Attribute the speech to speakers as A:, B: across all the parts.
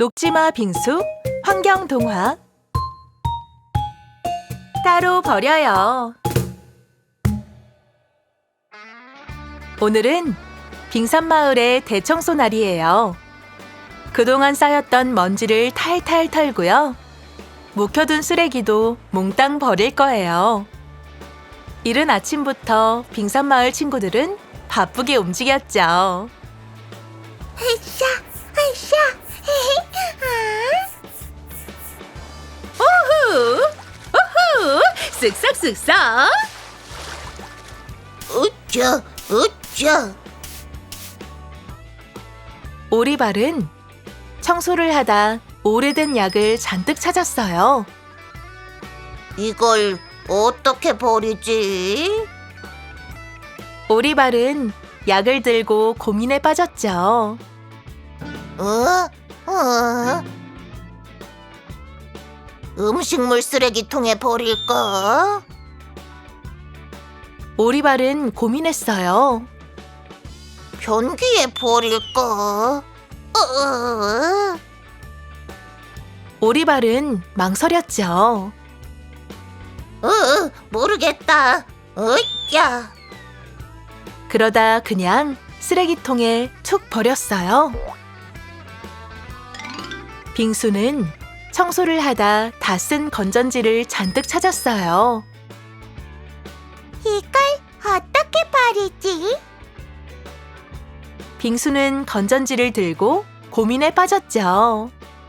A: 녹지마 빙수 환경 동화. 따로 버려요. 오늘은 빙산마을의 대청소 날이에요. 그동안 쌓였던 먼지를 탈탈 털고요. 묵혀둔 쓰레기도 몽땅 버릴 거예요. 이른 아침부터 빙산마을 친구들은 바쁘게 움직였죠.
B: 으쌰, 으쌰,
A: 오후! 오후! 쓱싹쓱싹!
B: 으쌰, 으쌰.
A: 오리발은 청소를 하다 오래된 약을 잔뜩 찾았어요.
B: 이걸 어떻게 버리지?
A: 오리발은 약을 들고 고민에 빠졌죠.
B: 음식물 쓰레기통에 버릴까?
A: 오리발은 고민했어요.
B: 변기에 버릴까?
A: 오리발은 망설였죠.
B: 모르겠다. 으쌰.
A: 그러다 그냥 쓰레기통에 툭 버렸어요. 빙수는 청소를 하다 다 쓴 건전지를 잔뜩 찾았어요.
B: 이걸 어떻게 버리지?
A: 빙수는 건전지를 들고 고민에 빠졌죠.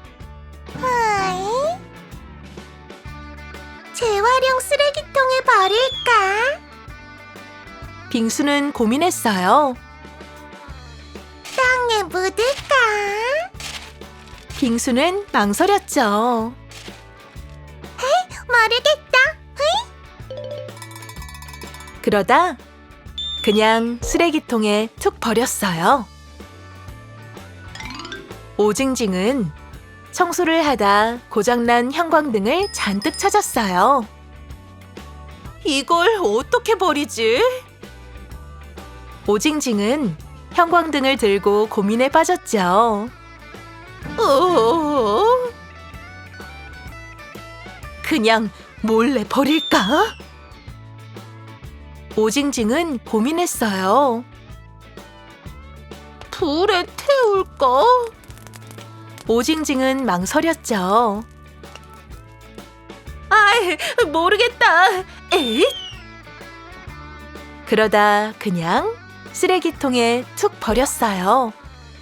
B: 재활용 쓰레기통에 버릴까?
A: 빙수는 고민했어요.
B: 땅에 묻을까?
A: 빙수는 망설였죠.
B: 모르겠다.
A: 그러다 그냥 쓰레기통에 툭 버렸어요. 오징징은 청소를 하다 고장난 형광등을 잔뜩 찾았어요. 이걸 어떻게 버리지? 오징징은 형광등을 들고 고민에 빠졌죠. 그냥 몰래 버릴까? 오징징은 고민했어요. 불에 태울까? 오징징은 망설였죠. 아이, 모르겠다. 에잇! 그러다 그냥 쓰레기통에 툭 버렸어요.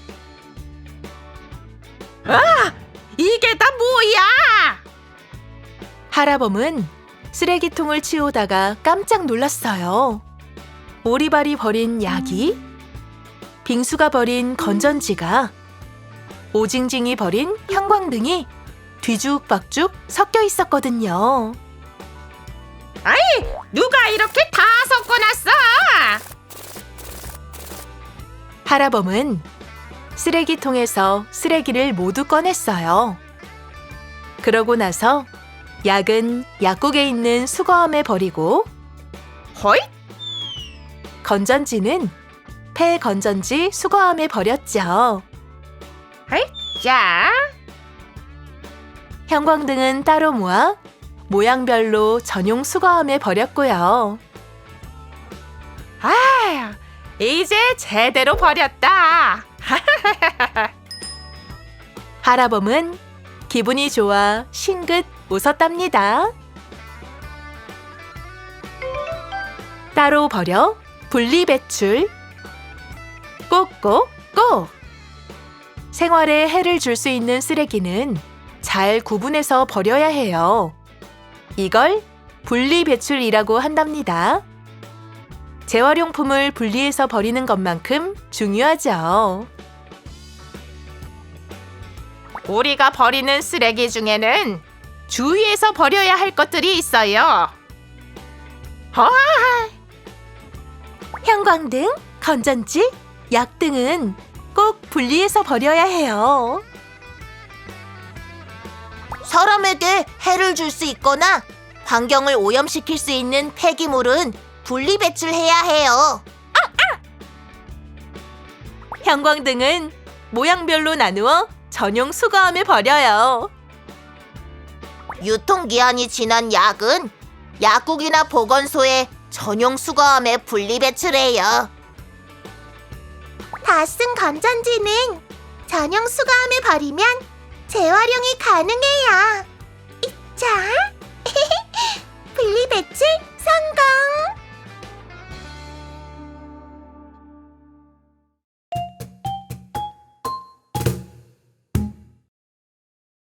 B: 이게 다 뭐야?
A: 하라범은 쓰레기통을 치우다가 깜짝 놀랐어요. 오리발이 버린 약이, 빙수가 버린 건전지가, 오징징이 버린 형광등이 뒤죽박죽 섞여 있었거든요.
B: 누가 이렇게 다 섞어놨어?
A: 하라범은 쓰레기통에서 쓰레기를 모두 꺼냈어요. 그러고 나서 약은 약국에 있는 수거함에 버리고,
B: 허이?
A: 건전지는 폐건전지 수거함에 버렸죠.
B: 자,
A: 형광등은 따로 모아 모양별로 전용 수거함에 버렸고요.
B: 이제 제대로 버렸다.
A: 하라범은 기분이 좋아 싱긋 웃었답니다. 따로 버려 분리배출. 꼭꼭꼭! 생활에 해를 줄 수 있는 쓰레기는 잘 구분해서 버려야 해요. 이걸 분리배출이라고 한답니다. 재활용품을 분리해서 버리는 것만큼 중요하죠.
B: 우리가 버리는 쓰레기 중에는 주의해서 버려야 할 것들이 있어요.
A: 형광등, 건전지, 약 등은 꼭 분리해서 버려야 해요.
B: 사람에게 해를 줄 수 있거나 환경을 오염시킬 수 있는 폐기물은 분리배출해야 해요.
A: 형광등은 모양별로 나누어 전용 수거함에 버려요.
B: 유통기한이 지난 약은 약국이나 보건소에 전용 수거함에 분리 배출해요. 다 쓴 건전지는 전용 수거함에 버리면 재활용이 가능해요. 자, 분리 배출 성공!